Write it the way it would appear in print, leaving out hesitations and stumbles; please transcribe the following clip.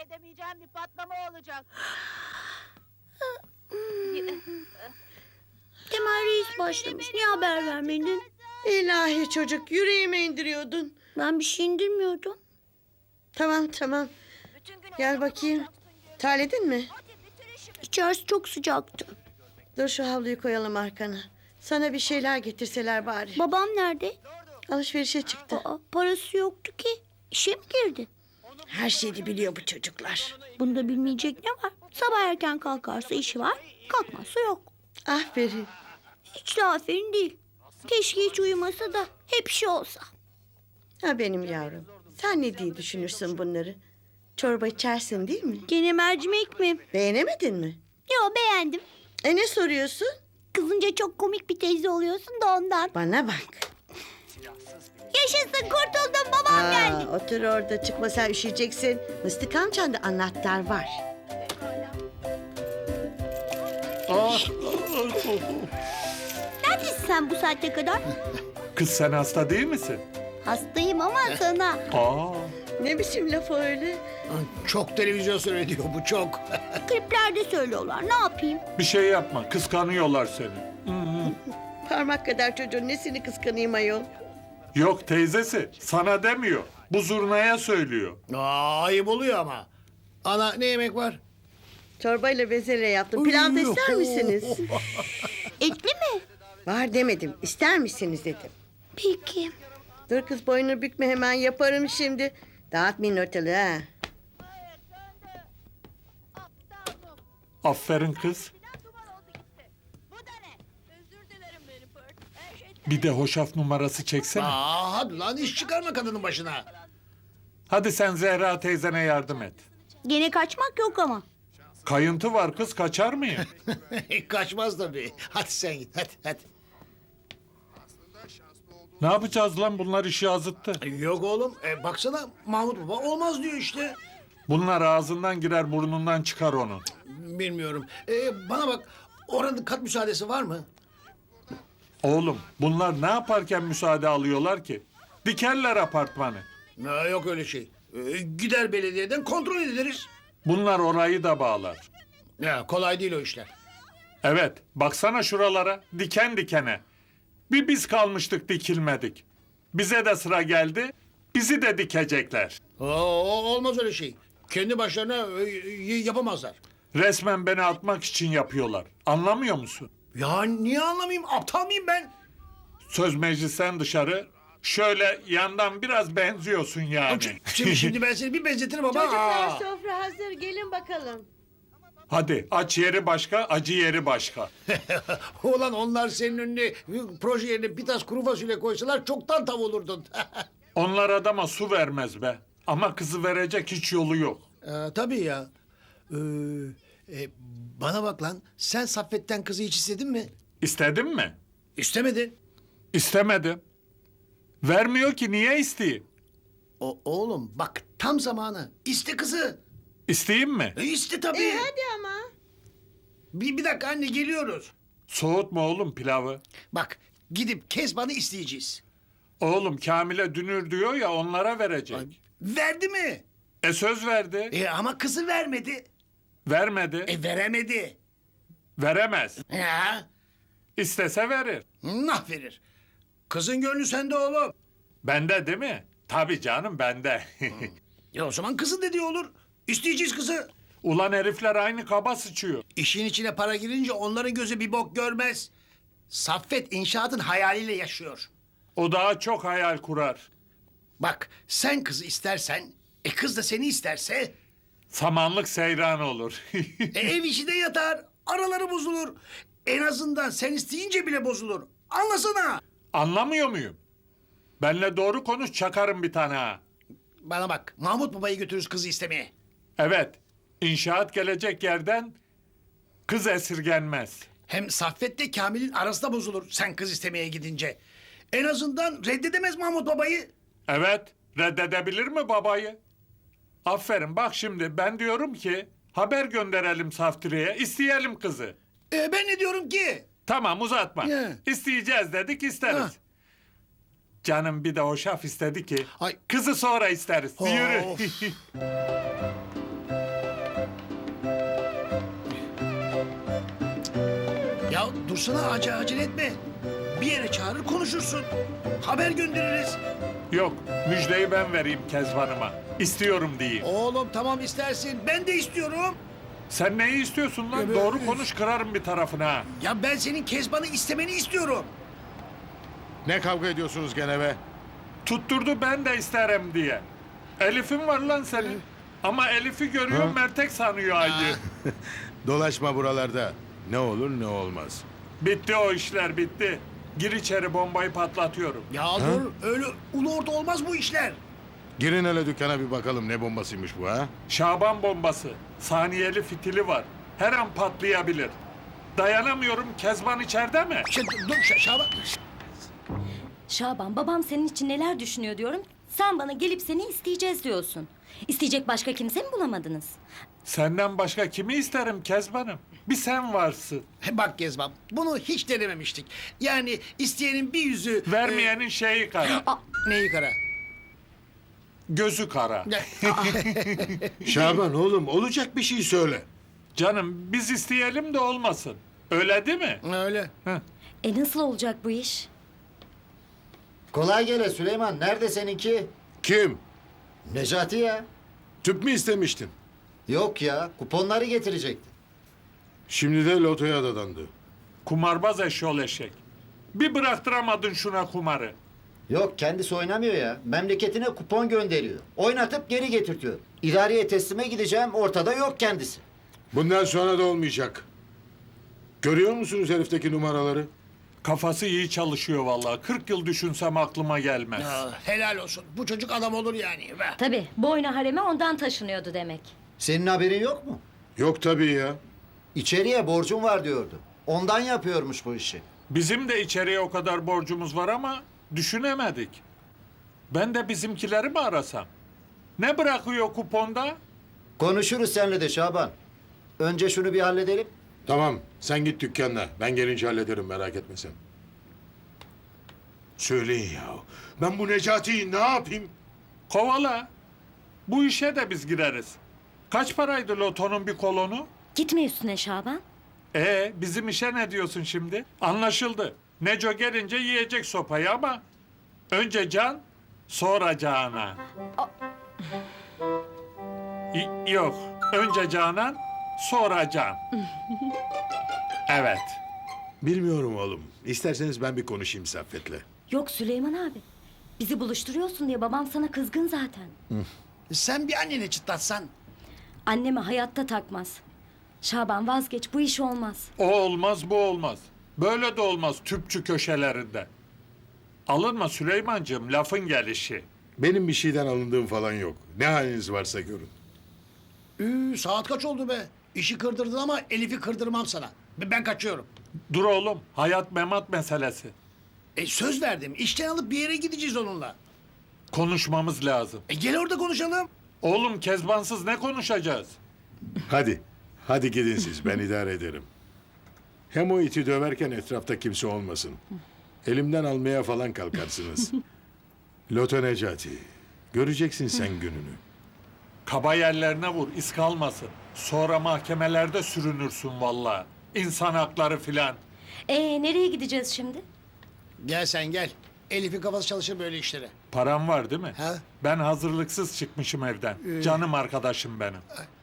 edemeyeceğim bir patlama olacak. Temel Reis başlamış. Niye haber vermedin? İlahi çocuk, yüreğime indiriyordun. Ben bir şey indirmiyordum. Tamam. Gel bakayım. Terledin mi? İçerisi çok sıcaktı. Dur şu havluyu koyalım arkana. Sana bir şeyler getirseler bari. Babam nerede? Alışverişe çıktı. Parası yoktu ki. İşe mi girdi? Her şeyi biliyor bu çocuklar. Bunda bilmeyecek ne var? Sabah erken kalkarsa işi var, kalkmazsa yok. Aferin. Hiç de aferin değil. Keşke hiç uyumasa da hep şey olsa. Ha benim yavrum. Sen ne diye düşünürsün bunları? Çorba içersin değil mi? Gene mercimek mi? Beğenemedin mi? Yo, beğendim. Ne soruyorsun? Kızınca çok komik bir teyze oluyorsun da ondan. Bana bak. Yaşasın, kurtuldum, babam geldi. Otur orada, çıkma, sen üşüyeceksin. Mıstık amcanda anahtar var. Neredesin sen bu saate kadar? Kız sen hasta değil misin? Hastayım ama sana. Aa, Ne biçim laf o öyle? Çok televizyon söylüyor bu, çok. Kliplerde söylüyorlar, ne yapayım? bir şey yapma. Kıskanıyorlar seni. Parmak kadar çocuğun nesini kıskanayım ayol? Yok teyzesi. Sana demiyor. Bu zurnaya söylüyor. Ayıp oluyor ama. Ana, ne yemek var? Çorbayla bezelye yaptım. Pilav da ister misiniz? Etli mi? Var demedim. İster misiniz dedim. Peki. Dur kız, boynunu bükme, hemen yaparım şimdi. Dağıtmayın ortalığı ha. Aferin kız. Bu da ne? Özür dilerim beni Pert. Her şey Bir de hoşaf numarası çeksene. Hadi lan, iş çıkarma kadının başına. Hadi sen Zehra teyzene yardım et. Gene kaçmak yok ama. Kayıntı var kız, kaçar mıyım? Kaçmaz tabii. Hadi sen git, hadi. Ne yapacağız lan, bunlar işi azıttı. Yok oğlum, baksana Mahmut Baba olmaz diyor işte. Bunlar ağzından girer burnundan çıkar onun. Bilmiyorum. Bana bak, oranın kat müsaadesi var mı? Oğlum bunlar ne yaparken müsaade alıyorlar ki? Dikerler apartmanı. Yok öyle şey. Gider belediyeden kontrol ederiz. Bunlar orayı da bağlar. Ya, kolay değil o işler. Evet, baksana şuralara, diken dikene. Bir biz kalmıştık, dikilmedik. Bize de sıra geldi, bizi de dikecekler. Olmaz öyle şey. Kendi başlarına yapamazlar. Resmen beni atmak için yapıyorlar. Anlamıyor musun? Ya niye anlamayayım? Aptal mıyım ben? Söz meclisten dışarı, şöyle yandan biraz benziyorsun yani. Şimdi ben seni bir benzetirim ama. Çocuklar, sofra hazır, gelin bakalım. Hadi aç yeri başka, acı yeri başka. Ulan onlar senin önüne proje yerine bir tas kuru fasulye koysalar çoktan tav olurdun. Onlar adama su vermez be. Ama kızı verecek hiç yolu yok. Tabii ya. Bana bak lan, sen Saffet'ten kızı hiç istedin mi? İstedin mi? İstemedin. İstemedim. Vermiyor ki, niye isteyeyim? Oğlum bak, tam zamanı. İste kızı. İsteyeyim mi? İste tabii. Hadi ama. Bir dakika anne, geliyoruz. Soğutma oğlum pilavı. Bak, gidip Kezban'ı isteyeceğiz. Oğlum Kamil'e dünür diyor ya, onlara verecek. Verdi mi? Söz verdi. Ama kızı vermedi. Vermedi. Veremedi. Veremez. Ya, İstese verir. nah verir. Kızın gönlü sende oğlum. Bende değil mi? Tabii canım, bende. O zaman kızın dediği olur. İsteyeceğiz kızı. Ulan herifler aynı kaba sıçıyor. İşin içine para girince onların gözü bir bok görmez. Saffet inşaatın hayaliyle yaşıyor. O daha çok hayal kurar. Bak, sen kızı istersen, kız da seni isterse... Samanlık seyran olur. ev içi de yatar, araları bozulur. En azından sen isteyince bile bozulur. Anlasana. Anlamıyor muyum? Benle doğru konuş, çakarım bir tane ha. Bana bak, Mahmut Baba'yı götürürüz kızı istemeye. Evet, inşaat gelecek yerden kız esirgenmez. Hem Saffet'le Kamil'in arası da bozulur sen kız istemeye gidince. En azından reddedemez Mahmut Baba'yı. Evet, reddedebilir mi babayı? Aferin, bak şimdi ben diyorum ki haber gönderelim Saftire'ye, isteyelim kızı. Ben ne diyorum ki? Tamam, uzatma. Ne? İsteyeceğiz dedik, isteriz. Ha. Canım bir de hoşaf istedi ki Ay. kızı sonra isteriz. Of. Yürü. Dursana acele etme. Bir yere çağırır konuşursun. Haber göndeririz. Yok, müjdeyi ben vereyim Kezban'ıma. İstiyorum diyeyim. Oğlum tamam istersin. Ben de istiyorum. Sen neyi istiyorsun lan? Evet. Doğru konuş, kırarım bir tarafına ha. Ya ben senin Kezban'ı istemeni istiyorum. Ne kavga ediyorsunuz gene be? Tutturdu ben de isterim diye. Elif'in var lan senin. Ama Elif'i görüyor, Mertek sanıyor Ayı. Dolaşma buralarda. Ne olur ne olmaz. Bitti o işler, bitti. Gir içeri, bombayı patlatıyorum. Ya dur öyle ulu orta olmaz bu işler. Girin hele dükkana bir bakalım ne bombasıymış bu ha? Şaban bombası. Saniyeli fitili var. Her an patlayabilir. Dayanamıyorum. Kezban içeride mi? Dur Şaban. Şaban, babam senin için neler düşünüyor diyorum. Sen bana gelip seni isteyeceğiz diyorsun. İsteyecek başka kimse mi bulamadınız? Senden başka kimi isterim Kezban'ım? Bir sen varsın. Bak Kezban bunu hiç denememiştik. Yani isteyenin bir yüzü... Vermeyenin şeyi kara. Neyi kara? Gözü kara. Şaban oğlum olacak bir şey söyle. Canım biz isteyelim de olmasın. Öyle değil mi? Öyle. Nasıl olacak bu iş? Kolay gele Süleyman. Nerede seninki? Kim? Necati ya. Tüp mü istemiştin? Yok ya. Kuponları getirecekti. Şimdi de lotoya dadandı. Kumarbaz eşyol eşek. Bir bıraktıramadın şuna kumarı. Yok kendisi oynamıyor ya. Memleketine kupon gönderiyor. Oynatıp geri getirtiyor. İdareye teslime gideceğim. Ortada yok kendisi. Bundan sonra da olmayacak. Görüyor musunuz herifteki numaraları? Kafası iyi çalışıyor vallahi. 40 yıl düşünsem aklıma gelmez. Ya, helal olsun. Bu çocuk adam olur yani. Be. Tabii, boyna hareme ondan taşınıyordu demek. Senin haberin yok mu? Yok tabii ya. İçeriye borcum var diyordu. Ondan yapıyormuş bu işi. Bizim de içeriye o kadar borcumuz var ama düşünemedik. Ben de bizimkileri mi arasam? Ne bırakıyor kuponda? Konuşuruz seninle de Şaban. Önce şunu bir halledelim. Tamam sen git dükkanına. Ben gelince hallederim merak etme sen. Söyleyin ya. Ben bu Necati'yi ne yapayım? Kovala. Bu işe de biz gireriz. Kaç paraydı lotonun bir kolonu? Gitme üstüne Şaban. Bizim işe ne diyorsun şimdi? Anlaşıldı. Neco gelince yiyecek sopayı ama önce can, sonra Canan. Yok, önce Canan, sonra Can. Evet. Bilmiyorum oğlum. İsterseniz ben bir konuşayım Saffet'le. Yok Süleyman abi. Bizi buluşturuyorsun diye babam sana kızgın zaten. Sen bir annene çıtlatsan. Anneme hayatta takmaz. Şaban vazgeç, bu iş olmaz. O olmaz, bu olmaz. Böyle de olmaz tüpçü köşelerinde. Alınma Süleymancığım, lafın gelişi. Benim bir şeyden alındığım falan yok. Ne haliniz varsa görün. Saat kaç oldu be? İşi kırdırdın ama Elif'i kırdırmam sana. Ben kaçıyorum. Dur oğlum, hayat memat meselesi. Söz verdim. İşten alıp bir yere gideceğiz onunla. Konuşmamız lazım. Gel orada konuşalım. Oğlum Kezbansız ne konuşacağız? Hadi. Hadi gidin siz. Ben idare ederim. Hem o iti döverken etrafta kimse olmasın. Elimden almaya falan kalkarsınız. Loto Necati. Göreceksin sen gününü. Kaba yerlerine vur, iz kalmasın. Sonra mahkemelerde sürünürsün vallahi. İnsan hakları filan. Nereye gideceğiz şimdi? Gel sen gel. Elif'in kafası çalışır böyle işlere. Param var değil mi? Ha? Ben hazırlıksız çıkmışım evden. Canım arkadaşım benim.